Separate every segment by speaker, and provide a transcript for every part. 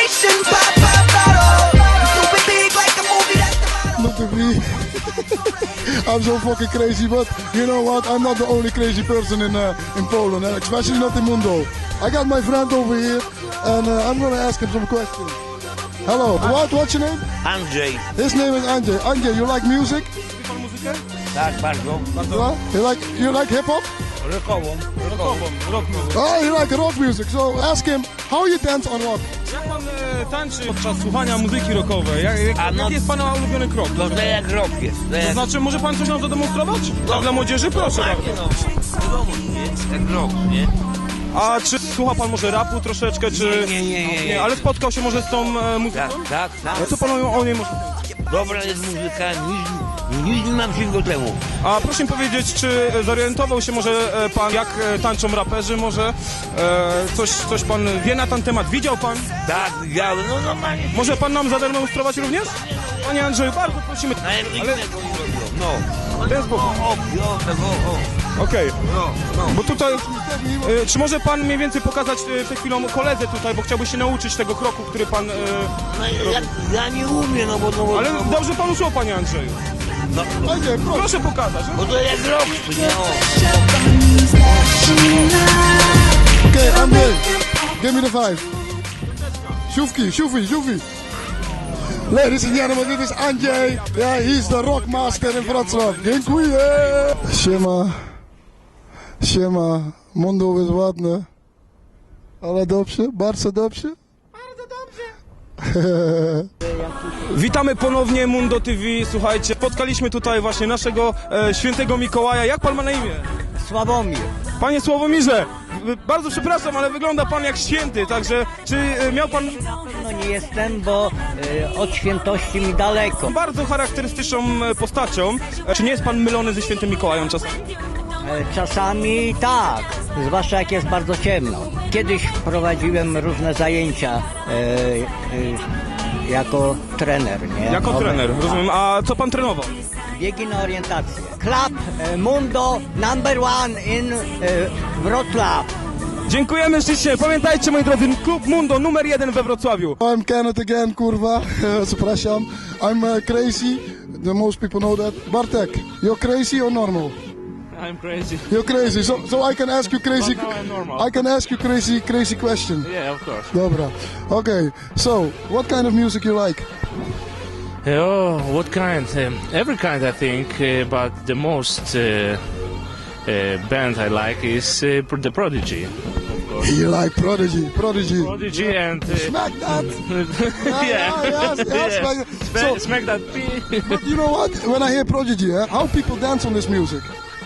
Speaker 1: sensation. Pop, pop, bottle. Super big like a movie, that's the motto.
Speaker 2: Look at me. I'm so fucking crazy, but you know what? I'm not the only crazy person in Poland, especially not in Mundo. I got my friend over here, and I'm gonna ask him some questions. Hello, what's your name?
Speaker 3: Andrzej.
Speaker 2: His name is Andrzej. Andrzej, you like music?
Speaker 3: Tak, bardzo.
Speaker 2: You like hip hop?
Speaker 3: Rockową.
Speaker 4: Rock music.
Speaker 2: Oh, you like rock music. So ask him how you dance on rock.
Speaker 4: Jak pan tańczy podczas słuchania muzyki rockowej? Jaki jest pana ulubiony krok?
Speaker 3: To jak rock jest.
Speaker 4: To znaczy, może pan coś nam zademonstrować? Tak dla młodzieży? Proszę bardzo.
Speaker 3: Wiadomo, nie? Jak rock, nie?
Speaker 4: A czy słucha pan może rapu troszeczkę, czy...
Speaker 3: Nie.
Speaker 4: Ale spotkał się może z tą muzyką?
Speaker 3: Tak.
Speaker 4: A co pan o niej może...
Speaker 3: Dobra jest muzyka, nic nie mam się do temu.
Speaker 4: A proszę mi powiedzieć, czy zorientował się może pan, jak tańczą raperzy, może coś pan wie na ten temat, widział pan?
Speaker 3: Tak, widziałem, no normalnie.
Speaker 4: Może pan nam zademonstrować również? Panie Andrzeju, bardzo prosimy.
Speaker 3: Ale... No.
Speaker 4: W ten sposób. Okej. Bo tutaj, czy może pan mniej więcej pokazać przed chwilą koledze tutaj, bo chciałby się nauczyć tego kroku, który pan...
Speaker 3: Ja nie umiem, no bo...
Speaker 4: Ale dobrze panu szło, panie Andrzeju.
Speaker 2: Andrzej,
Speaker 4: Proszę pokazać.
Speaker 3: Bo to jak rock, nie?
Speaker 2: Okay, Andrzej, give me the five. Shufi. Ladies and gentlemen, dit is Andrzej. Ja, he's the rock master in Wrocław. Dziękuję. Siema. Mundo jest ładne. Ale dobrze? Bardzo dobrze?
Speaker 4: Witamy ponownie Mundo TV. Słuchajcie, spotkaliśmy tutaj właśnie naszego świętego Mikołaja. Jak pan ma na imię?
Speaker 5: Sławomir.
Speaker 4: Panie Sławomirze, bardzo przepraszam, ale wygląda pan jak święty, także czy miał pan
Speaker 5: No nie jestem, bo od świętości mi daleko.
Speaker 4: bardzo charakterystyczną postacią? Czy nie jest pan mylony ze świętym Mikołajem czasami?
Speaker 5: Czasami tak, zwłaszcza jak jest bardzo ciemno. Kiedyś prowadziłem różne zajęcia jako trener, nie?
Speaker 4: Jako trener, rozumiem. A co pan trenował?
Speaker 5: Biegi na orientację. Club Mundo #1 in Wrocław.
Speaker 4: Dziękujemy ślicznie. Pamiętajcie, moi drodzy, klub Mundo numer 1 we Wrocławiu.
Speaker 2: I'm Kenneth again, kurwa. Przepraszam. I'm crazy. The most people know that. Bartek, you're crazy or normal?
Speaker 6: I'm crazy.
Speaker 2: You're crazy. So I can ask you crazy.
Speaker 6: But now I'm normal.
Speaker 2: I can ask you crazy question.
Speaker 6: Yeah, of course.
Speaker 2: Dobra. Okay. So, what kind of music you like?
Speaker 6: Oh, what kind? Every kind, I think. But the most band I like is The Prodigy.
Speaker 2: You like Prodigy.
Speaker 6: Prodigy and
Speaker 2: Smack that.
Speaker 6: yeah.
Speaker 2: Smack that. So,
Speaker 6: Smack that P.
Speaker 2: but you know what? When I hear Prodigy, how people dance on this music?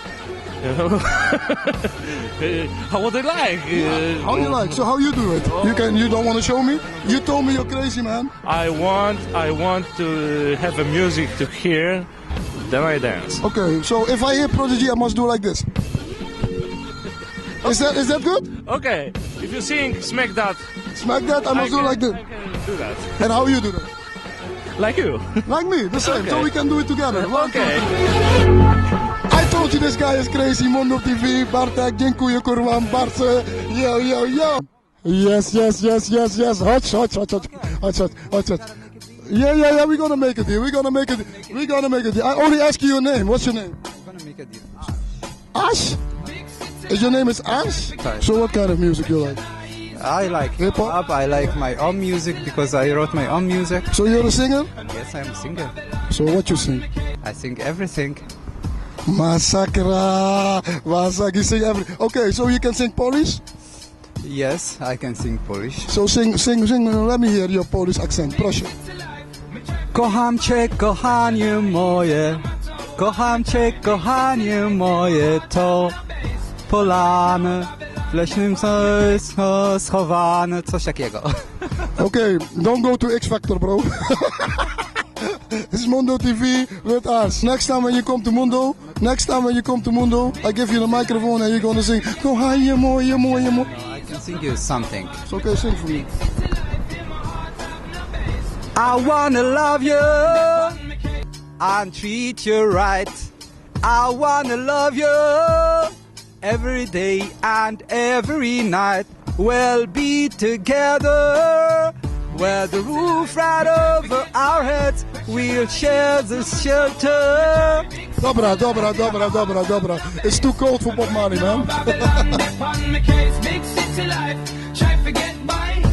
Speaker 6: How would I like?
Speaker 2: How you like? So how you do it? You don't want to show me? You told me you're crazy, man.
Speaker 6: I want to have a music to hear, then I dance.
Speaker 2: Okay, so if I hear Prodigy, I must do like this. Is that good?
Speaker 6: Okay, if you sing Smack That,
Speaker 2: Smack that, I must do like this.
Speaker 6: I can do that.
Speaker 2: And how you do that?
Speaker 6: Like you.
Speaker 2: Like me, the same.
Speaker 6: Okay.
Speaker 2: So we can do it together. One, two,
Speaker 6: Okay.
Speaker 2: I told you this guy is crazy. Mundo TV, Bartek, dziękuję kurwa, bardzo. Yo. Yes. Hot. Yeah, we're gonna make it here. We're gonna make it. I only ask you your name. What's your name? Ash? Is your name is Ash? So what kind of music you like?
Speaker 7: I like
Speaker 2: Hip hop?
Speaker 7: hip-hop. I like my own music because I wrote my own music.
Speaker 2: So you're a singer?
Speaker 7: Yes, I'm a singer.
Speaker 2: So what you sing?
Speaker 7: I sing everything.
Speaker 2: Masakra. You sing everything. Okay, so you can sing Polish?
Speaker 7: Yes, I can sing Polish.
Speaker 2: So sing. Let me hear your Polish accent. Proszę.
Speaker 7: Kocham cię, kochanie moje. Kocham cię, kochanie moje. To polane w leśnym schowane. Coś takiego.
Speaker 2: Okay, don't go to X Factor, bro. This is Mundo TV with us. Next time when you come to Mundo, I give you the microphone and you're gonna sing. Kochanie moje.
Speaker 7: I can sing you something.
Speaker 2: It's okay, sing for me.
Speaker 7: I wanna love you and treat you right. I wanna love you every day and every night. We'll be together where the roof right over our heads, we'll share the shelter.
Speaker 2: Dobra. It's too cold for Bob Marley, man.
Speaker 8: Babylon, upon my case, big city life. Try to get by.